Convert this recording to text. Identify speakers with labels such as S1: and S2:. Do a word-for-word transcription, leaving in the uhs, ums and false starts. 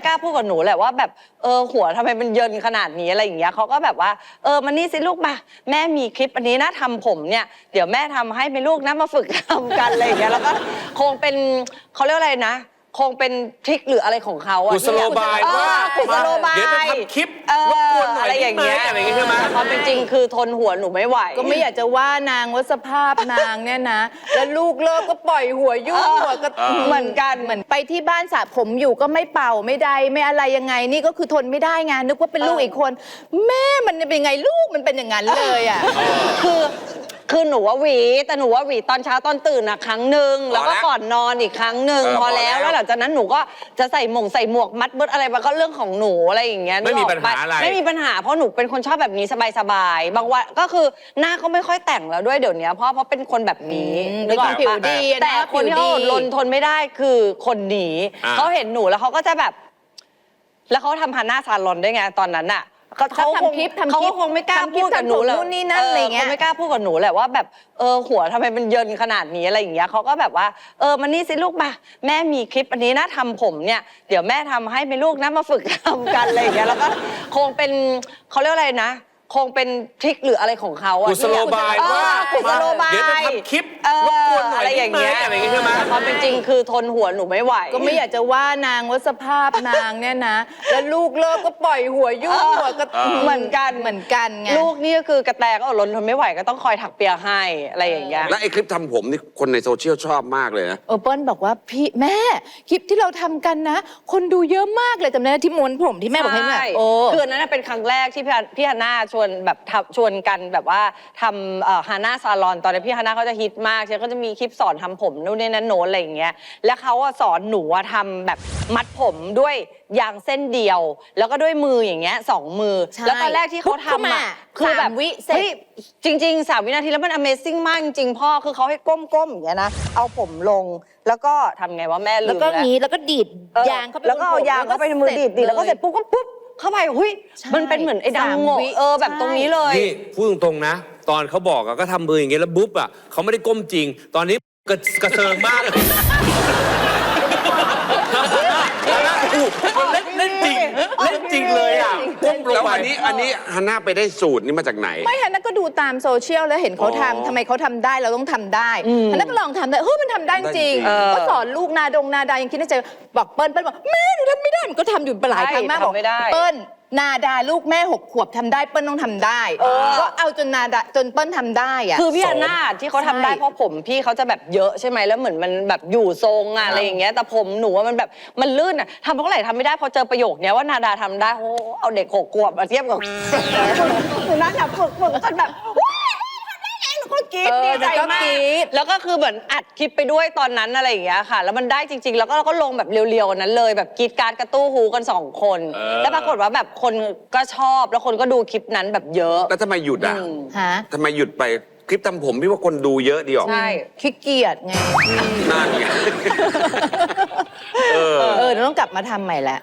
S1: กล้าพูดกับหนูแหละว่าแบบเออหัวทำไมมันเยินขนาดนี้อะไรอย่างเงี้ยเขาก็แบบว่าเออมานี่สิลูกมาแม่มีคลิปอันนี้นะทำผมเนี่ยเดี๋ยวแม่ทำให้ไหมลูกนะมาฝึกทำกันอะไรอย่างเงี้ยแล้วก็คงเป็นเขาเรียกอะไรนะคงเป็นทริคหรืออะไรของเขาอะ
S2: กุศโลบายว่า
S1: กุศโลบาย
S2: เดี๋ยวจะทำคลิปรบกวนหน่อย
S1: อะไรอย่างเงี้ย
S2: อะไรอย่างเงี้ยใช่ไหม
S1: ความเป็นจริงคือทนหัวหนูไม่ไหว
S3: ก็ไม่อยากจะว่านางว่าสภาพนางเนี่ยนะ แล้วลูกเลิกก็ปล่อยหัวยุ่งหัวก็
S1: เหมือนกัน
S3: เหมือนไปที่บ้านสระผมอยู่ก็ไม่เป่าไม่ใดไม่อะไรยังไง นี่ก็คือทนไม่ได้ไงนึกว่าเป็นลูกอีกคน แม่มันเป็นไงลูกมันเป็นอย่างนั้นเลยอ่ะ
S1: คือคือหนูว่าหวีแต่หนูว่าหวีตอนเช้าตอนตื่นอะครั้งหนึ่งแล้วก็ก่อนนอนอีกครั้งหนึ่งพอแล้วแล้วหลังจากนั้นหนูก็จะใส่หมงใส่หมวกมัดเบิดอะไรมันก็เรื่องของหนูอะไรอย่างเงี้ย
S2: ไม่มีปัญหาอะไร
S1: ไม่มีปัญหาเพราะหนูเป็นคนชอบแบบนี้สบายๆบางวันก็คือหน้าก็ไม่ค่อยแต่งแล้วด้วยเดี๋ยวนี้เพราะเพราะเป็นคนแบบนี้
S3: อืม
S1: นึกออก
S3: เป็นคนผิว
S1: ปะ
S3: ดีอะนะ
S1: แต่คนที่เขา
S3: ผิว
S1: อ
S3: ดี
S1: ดรนทนไม่ได้คือคนหนี
S2: อ่า
S1: เขาเห็นหนูแล้วเขาก็จะแบบ แล้วเขาทำฮันน่าซาลอนด้วยไงตอนนั้นอะเขา
S3: ชอบ
S1: คง
S3: ทำคลิปทำคลิป
S1: เขาก็คงไม่กล้า
S3: ทำคลิ
S1: พู
S3: ป
S1: ดกับหนู
S3: ทำผม
S1: หรอก
S3: นู่นนี่นั่นอะไรเงี้ย
S1: คงไม่กล้าพูดกับหนูแหละว่าแบบเออหัวทำไมมันเยินขนาดนี้อะไรอย่างเงี้ยเขาก็แบบว่าเออมานี่สิลูกมาแม่มีคลิปอันนี้นะทำผมเนี่ยเดี๋ยวแม่ทำให้ไหมลูกนะมาฝึกทำกันอะไรอย่างเงี้ยแล้วก็คงเป็นเขาเรียกอะไรนะคงเป็นทริคหรืออะไรของเขาอะ
S2: กุศโลบายว่า
S1: กุศโลบาย
S2: เดี๋ยวจะทำคลิป
S1: เออ
S2: รบกวนหน่อย
S1: อะไรอย่างเงี้ย
S2: อะไรอย่างเงี้ยใช่ไหม
S1: แต่ความเป็นจริงคือทนหัวหนูไม่ไหว
S3: ก็ไม่อยากจะว่านางว่าสภาพนางเนี่ยนะ แล้วลูกเลิกก็ปล่อยหัวยุ่งหัวก็
S1: เหมือนกัน
S3: เหมือนกันไง
S1: ลูกนี่ก็คือกระแตก็อดรนทนไม่ไหวก็ต้องคอยถักเปียให้อะไรอย่างเงี้ย
S4: และไอ้คลิปทำผมนี่คนในโซเชียลชอบมากเลยนะ
S3: เออเปิ้ลบอกว่าพี่แม่คลิปที่เราทำกันนะ คนดูเยอะมากเลยจำได้ไหมที่ม้วนผมที่แม่บอกให้แม่
S1: ใช่
S3: โอ้
S1: คืออันนั้นนะเป็นครั้งแรกที่พี่พี่ฮาน่าชวนแบบทำชวนกันแบบว่าทำฮาน่าซาลอนตอนนี้พี่ฮาน่าเขาจะฮิตมากเช่นก็จะมีคลิปสอนทำผมนู่นนี่นั่นโน้นอะไรอย่างเงี้ยแล้วเขาอะสอนหนูอะทำแบบมัดผมด้วยยางเส้นเดียว แล้วก็ด้วยมืออย่างเงี้ยสองมือ
S3: ใช่
S1: แล้วตอนแรกที่เขา
S3: ปุ๊บเข้า
S1: ทำ
S3: มา
S1: อะคือแบบ
S3: สามวิเสร็จ
S1: ฮ้ยจริงๆสามวินาทีแล้วมัน Amazing มากจริงๆพ่อคือเขาให้ก้มๆอย่างเงี้ยนะเอาผมลงแล้วก็ทำไงว่าแม่ลืม
S3: แล้วก็
S1: แล้ว
S3: งี้แล้วก็ดีด
S1: เออย
S3: างเข้าไป
S1: แล้วก็เอา
S3: บนผม
S1: ยางเข้าไปในมือดีดดีแล้วก็เสร็จปุ๊บก็ปุ๊บเข้าไปหุย
S3: ใช่
S1: มันเป็นเหมือนไอ้
S3: สาม
S1: ดำโงก
S3: วิ
S1: เออแบบตรงนี้เลย
S2: นี่พูดตรงๆนะ ตอนเขาบอกอะก็ทำมืออย่างเงี้ยแล้วบุ๊บอะเขาไม่ได้ก้มจริง ตอนนี้กระกระเซิงมากเลยมันเล่นเล่นจริงเล่นจริงเลยอะก้มลง
S4: แล้ว
S2: ไป
S4: อันนี้อันนี้ฮันน่าไปได้สูตรนี้มาจากไหน
S3: ไม่ฮันน่าก็ดูตามโซเชียลแล้วเห็นเขา
S4: อ๋อ
S3: ทำทำไมเขาทำได้เราต้องทำได้
S1: อืม
S3: ฮันน่าก็ลองทำได้เฮ้ยมันทำได้จริง
S4: เออ
S3: ก็สอนลูกนาดงนาดายังคิดในใจบอกเปิ้ลเปิ้ลบอกแม่หนูทำไม่ได้มันก็ทำอยู่หลายครั้งมากบอก
S1: ทำไม่ได้
S3: เปิ้ลนาดาลูกแม่หกขวบทำได้เปิ้ลต้องทำได้
S1: เออ
S3: ก็เอาจนนาดาจนเปิ้ลทำได้อะ
S1: คือพี่ฮาน่าที่เขาทำได้
S3: ใช่
S1: เพราะผมพี่เขาจะแบบเยอะใช่ไหมแล้วเหมือนมันแบบอยู่ทรงอะอะไรอย่างเงี้ยแต่ผมหนูว่ามันแบบมันลื่นอะทำเท่าไหร่ทำไม่ได้พอเจอประโยคเนี้ยว่านาดาทำได้โอ้เอาเด็กหกขวบมาเทียบกับหนูนั่นอะฝึกฝึกจนแบบว้ายทำได้เองหนูก็กรี๊ด
S3: เออ
S1: ดีใจ
S3: แล้วก็
S1: มาก
S3: กรี๊ด
S1: แล้วก็คือเหมือนอัดคลิปไปด้วยตอนนั้นอะไรอย่างเงี้ยค่ะ แล้วมันได้จริง ๆ แล้วก็เราก็ลงแบบเรียวๆนั้นเลยแบบกรีดการดกระตู้ฮูกันสองคน
S2: เออ
S1: แล้วปรากฏว่าแบบคนก็ชอบแล้วคนก็ดูคลิปนั้นแบบเยอะ
S4: แล้วทำไมหยุดอ่ะ
S1: อืม
S3: ฮะ
S4: ทำไมหยุดไปคลิปทำผมพี่ว่าคนดูเยอะดีหรอ
S1: ใช่
S3: ขี้เกียจไง
S4: นั่นไง เออ
S3: เออเดี๋ยวต้องกลับมาทำใหม่แหละ